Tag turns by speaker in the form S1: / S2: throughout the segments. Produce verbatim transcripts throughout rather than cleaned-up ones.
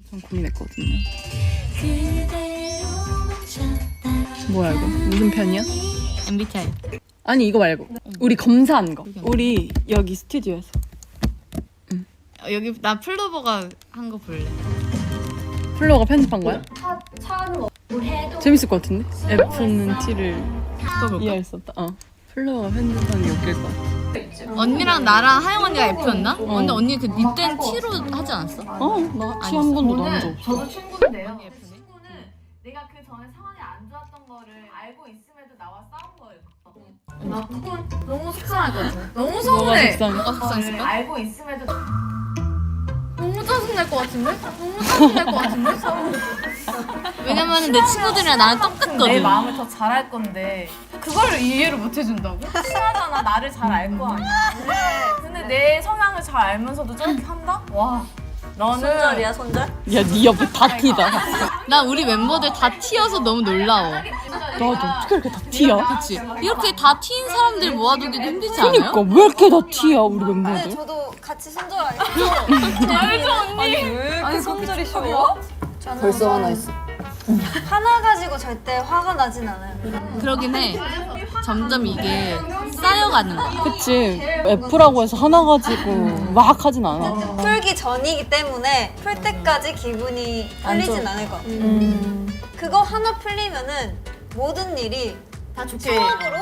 S1: 전 고민했거든요. 뭐야 이거? 무슨 편이야?
S2: 엠비티아이.
S1: 아니 이거 말고 우리 검사한 거. 우리 여기 스튜디오에서.
S2: 어, 여기 나 플로버가 한 거 볼래.
S1: 플로어가 편집한 거야?
S3: 차, 차는 뭐 해도
S1: 재밌을 것 같은데? F는 T를
S2: 그거 볼까?
S1: 이해할 수 없다. 어. 플로어가 편집하는 게 웃길 것 같아.
S2: 언니랑 나랑 하영 언니가 F였나?
S1: 어.
S2: 근데 언니 그 니땐 T로 하지 않았어?
S1: 어, 나 T 한 번도 나온 적 없어.
S3: 저도 친구인데요.
S2: F네?
S4: 친구는 내가 그 전에 상황이 안 좋았던 거를 알고 있음에도 나와 싸운 거예요.
S3: 나 그건 너무 속상할 것 같아. 너무
S1: 뭐가
S3: 서운해.
S1: 속상해?
S2: 뭐가
S4: 거를
S2: 속상했을까?
S4: 알고 있음에도
S3: 너무 짜증날 것 같은데? 너무 짜증날 것 같은데?
S2: 왜냐면은 내 친구들이랑 나랑 똑같거든.
S4: 내 마음을 더 잘 알 건데 그걸 이해를 못 해준다고? 친하잖아. 나를 잘 알 거 아니야. 근데 내 성향을 잘 알면서도 저렇게 한다? 와 너는
S3: 손절이야 손절?
S1: 야, 네 옆에 다 T다.
S2: 나 우리 멤버들 다 T여서 너무 놀라워.
S1: 나도 어떻게 이렇게 다 T야?
S2: 그치? 이렇게 다 T인 사람들 모아두기도 힘들지 않아요?
S1: 그니까 왜 이렇게 다 T야 우리
S5: 네,
S1: 멤버들?
S5: 저도 같이 손절 아니죠?
S3: 알죠 언니? 아니 왜 이렇게 손절이 쉬워?
S5: 저는
S1: 벌써 하나 있어.
S5: 하나 가지고 절대 화가 나진 않아요.
S2: 그러긴 해. 점점 이게 쌓여가는 거야.
S1: 그치. F라고 해서 하나 가지고 막 하진 않아.
S5: 풀기 전이기 때문에 풀 때까지 기분이 풀리진 않을 것 같아요.
S1: 음.
S5: 그거 하나 풀리면은 모든 일이
S3: 다 좋게.
S5: 추억으로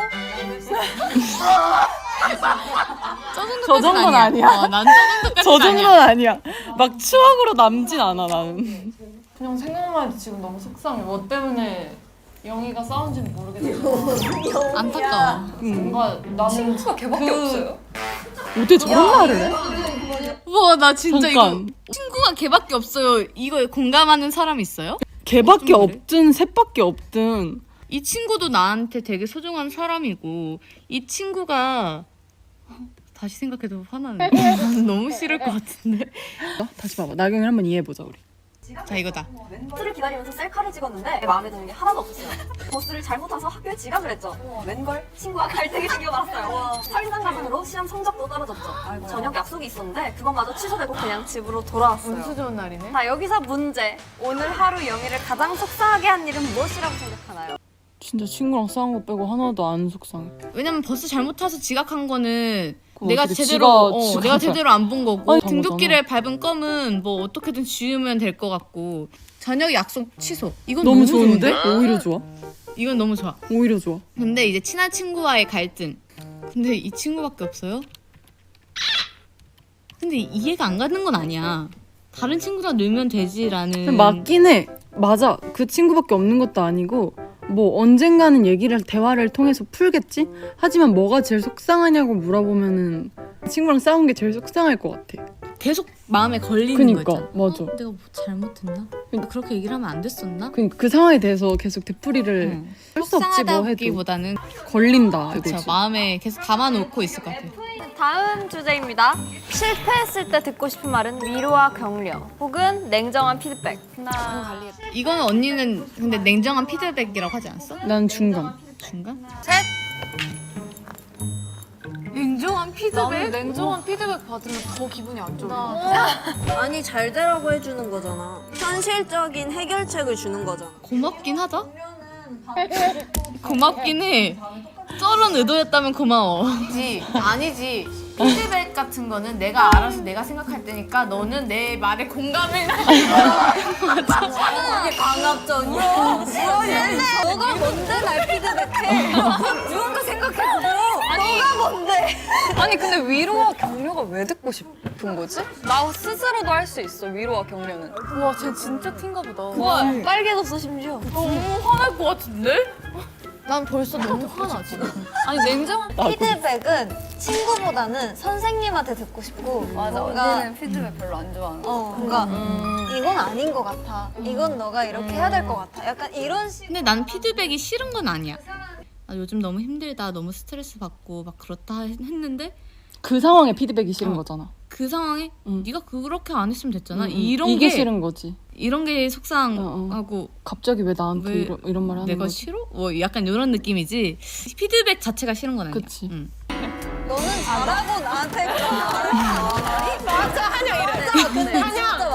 S1: 저 정도는 아니야.
S2: 어, 난저 정도까지
S1: 저
S2: 아니야.
S1: 정도는 아니야. 막 추억으로 남진 않아 나는.
S4: 그냥 생각만 해도 지금 너무 속상해. 뭐 때문에 영희가 싸운지는 모르겠지만
S2: 안타까워.
S4: 뭔가 나는 친구가 걔밖에 없어요.
S1: 어떻게 저런 말을 해?
S2: 우와 나 진짜
S1: 잠깐.
S2: 이거 친구가 걔밖에 없어요. 이거 공감하는 사람 있어요?
S1: 걔밖에
S2: 좀 그래?
S1: 없든 셋밖에 없든
S2: 이 친구도 나한테 되게 소중한 사람이고 이 친구가 다시 생각해도 화나네. 너무 싫을 것 같은데.
S1: 어? 다시 봐봐. 나경이 한번 이해해보자 우리.
S2: 자 이거다.
S6: 버스를 기다리면서 셀카를 찍었는데 마음에 드는 게 하나도 없었어요. 버스를 잘못 타서 학교에 지각을 했죠. 웬걸? 친구와 갈등이 생겨났어요. 설상가상으로 시험 성적도 떨어졌죠. 저녁 약속이 있었는데 그것마저 취소되고 그냥 집으로 돌아왔어요.
S4: 운수 좋은 날이네.
S6: 자, 여기서 문제. 오늘 하루 영희를 가장 속상하게 한 일은 무엇이라고 생각하나요?
S1: 진짜 친구랑 싸운 거 빼고 하나도 안 속상해.
S2: 왜냐면 버스 잘못 타서 지각한 거는
S1: 그거
S2: 내가
S1: 어떻게
S2: 제대로
S1: 지가-
S2: 어,
S1: 지가
S2: 내가
S1: 잘-
S2: 제대로 안 본 거고
S1: 아니,
S2: 등굣길에 밟은 껌은 뭐 어떻게든 지우면 될 것 같고 저녁 약속 취소. 이건
S1: 너무
S2: 너무,
S1: 좋은데?
S2: 좋은데?
S1: 오히려 좋아.
S2: 이건 너무 좋아.
S1: 오히려 좋아.
S2: 근데 이제 친한 친구와의 갈등. 근데 이 친구밖에 없어요? 근데 이해가 안 가는 건 아니야. 다른 친구랑 놀면 되지라는.
S1: 맞긴 해. 맞아. 그 친구밖에 없는 것도 아니고 뭐 언젠가는 얘기를 대화를 통해서 풀겠지? 하지만 뭐가 제일 속상하냐고 물어보면은 친구랑 싸운 게 제일 속상할 것 같아.
S2: 계속 마음에 걸리는
S1: 그니까
S2: 거 있잖아.
S1: 맞아.
S2: 어, 내가 뭐 잘못했나? 그렇게 얘기를 하면 안 됐었나?
S1: 그, 그 상황에 대해서 계속 되풀이를
S2: 응.
S1: 할 수 없지 뭐 해도
S2: 속상하다기보다는
S1: 걸린다
S2: 그쵸,
S1: 이거지.
S2: 마음에 계속 담아놓고 있을 것 같아.
S6: 다음 주제입니다. 실패했을 때 듣고 싶은 말은 위로와 격려 혹은 냉정한 피드백. 하나,
S2: 이거는 언니는 근데 냉정한 피드백이라고 하지 않았어?
S1: 난 중간.
S2: 중간?
S3: 냉정한 피드백? 냉정한 피드백 받으면 더 기분이 안 좋아.
S5: 아니 잘 되라고 해주는 거잖아. 현실적인 해결책을 주는 거잖아.
S2: 고맙긴 하다. 고맙긴 해. 쩔은 의도였다면 고마워.
S4: 아니지, 아니지. 피드백 같은 거는 내가 알아서 내가 생각할 때니까 너는 내 말에 공감을
S5: 이게 강압적이야. 너가 뭔데 날 피드백해? 누군가 생각해보고 너가 뭔데?
S3: 아니 근데 위로와 격려가 왜 듣고 싶은 거지? 나 스스로도 할 수 있어 위로와 격려는.
S4: 와, 쟤 진짜 틴가 보다.
S3: 와
S5: 빨개졌어 심지어.
S4: 너무 화날 것 같은데?
S2: 난 벌써 너무 화나 지금.
S3: 아니 냉정한
S5: 피드백은 친구보다는 선생님한테 듣고 싶고
S3: 맞아
S5: 뭔가
S3: 언니는 피드백 별로 안 좋아하는 거.
S5: 어 뭔가 이건 아닌 것 같아. 이건 너가 이렇게 해야 될 것 같아. 약간 이런 식.
S2: 근데 나는 피드백이 싫은 건 아니야. 아, 요즘 너무 힘들다, 너무 스트레스 받고 막 그렇다 했- 했는데
S1: 그 상황에 피드백이 싫은
S2: 어.
S1: 거잖아.
S2: 그 상황에
S1: 응.
S2: 네가 그렇게 안 했으면 됐잖아.
S1: 응, 응.
S2: 이런
S1: 이게
S2: 게
S1: 싫은 거지.
S2: 이런 게 속상하고
S1: 갑자기 왜 나한테
S2: 왜
S1: 이런, 이런 말 하는
S2: 내가
S1: 거지?
S2: 싫어? 뭐 약간 이런 느낌이지. 피드백 자체가 싫은 건 아니야.
S1: 그치.
S2: 응.
S5: 너는 잘하고 나한테 그런 말을 해. 맞아 한영 이래. 맞아 근데 진짜 맞아.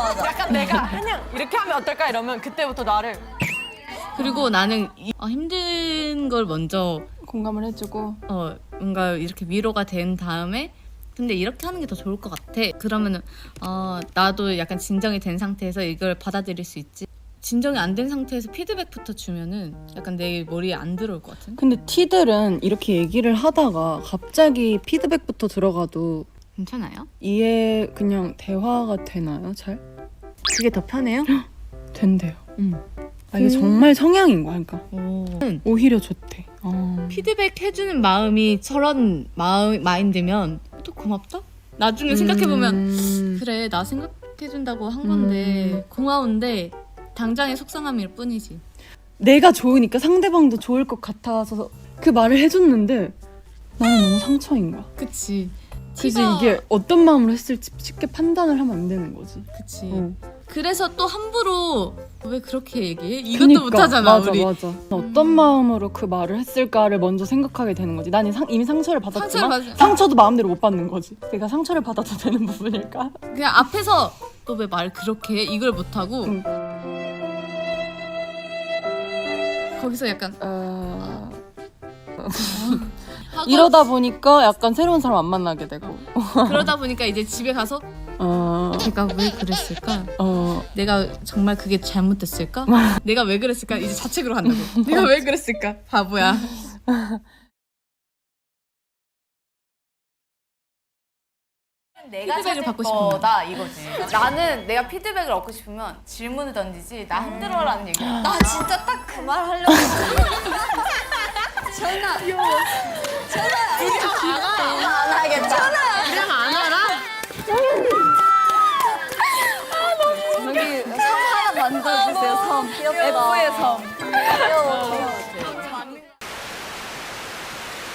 S3: 내가 그냥 이렇게 하면 어떨까 이러면 그때부터 나를
S2: 그리고 나는 이, 아, 힘든 걸 먼저
S1: 공감을 해주고
S2: 어 뭔가 이렇게 위로가 된 다음에 근데 이렇게 하는 게 더 좋을 것 같아. 그러면은 어 나도 약간 진정이 된 상태에서 이걸 받아들일 수 있지. 진정이 안 된 상태에서 피드백부터 주면은 약간 내 머리에 안 들어올 것 같은.
S1: 근데 티들은 이렇게 얘기를 하다가 갑자기 피드백부터 들어가도
S2: 괜찮아요?
S1: 이해 그냥 대화가 되나요? 잘?
S3: 그게 더 편해요?
S1: 된대요. 음. 아, 이게 정말 성향인 거야. 그러니까
S2: 오.
S1: 오히려 좋대. 어.
S2: 피드백 해주는 마음이 저런 마음 마인드면 또 고맙다. 나중에 생각해 보면
S1: 음.
S2: 그래 나 생각해준다고 한 건데
S1: 음.
S2: 고마운데 당장의 속상함일 뿐이지.
S1: 내가 좋으니까 상대방도 좋을 것 같아서 그 말을 해줬는데 나는 너무 상처인 거야.
S2: 그치.
S1: 그래서
S2: 티가-
S1: 이게 어떤 마음으로 했을지 쉽게 판단을 하면 안 되는 거지.
S2: 그치.
S1: 어.
S2: 그래서 또 함부로 왜 그렇게 얘기해? 이것도
S1: 그니까,
S2: 못하잖아
S1: 맞아,
S2: 우리.
S1: 맞아. 어떤 마음으로 그 말을 했을까를 먼저 생각하게 되는 거지. 난 상, 이미 상처를 받았지만
S2: 상처를 받-
S1: 상처도 마음대로 못 받는 거지. 내가 상처를 받아도 되는 부분일까?
S2: 그냥 앞에서 너 왜 말 그렇게 해? 이걸 못하고
S1: 응.
S2: 거기서 약간
S1: 어...
S2: 하고
S1: 이러다 보니까 약간 새로운 사람 안 만나게 되고.
S2: 그러다 보니까 이제 집에 가서
S1: 어...
S2: 내가 왜 그랬을까?
S1: 어...
S2: 내가 정말 그게 잘못됐을까? 내가 왜 그랬을까? 이제 자책으로 간다고. 내가 왜 그랬을까? 바보야.
S4: 내가
S2: 피드백을
S4: 찾을
S2: 받고 싶은
S4: 거다 이거지. 나는 내가 피드백을 얻고 싶으면 질문을 던지지 나 힘들어라는 얘기.
S5: 나 진짜 딱 그 말 하려고 전화 전화 안 하겠다
S2: 그냥 안 알아?
S5: 저기 섬 하나 만들어주세요 섬 귀엽다 F의 섬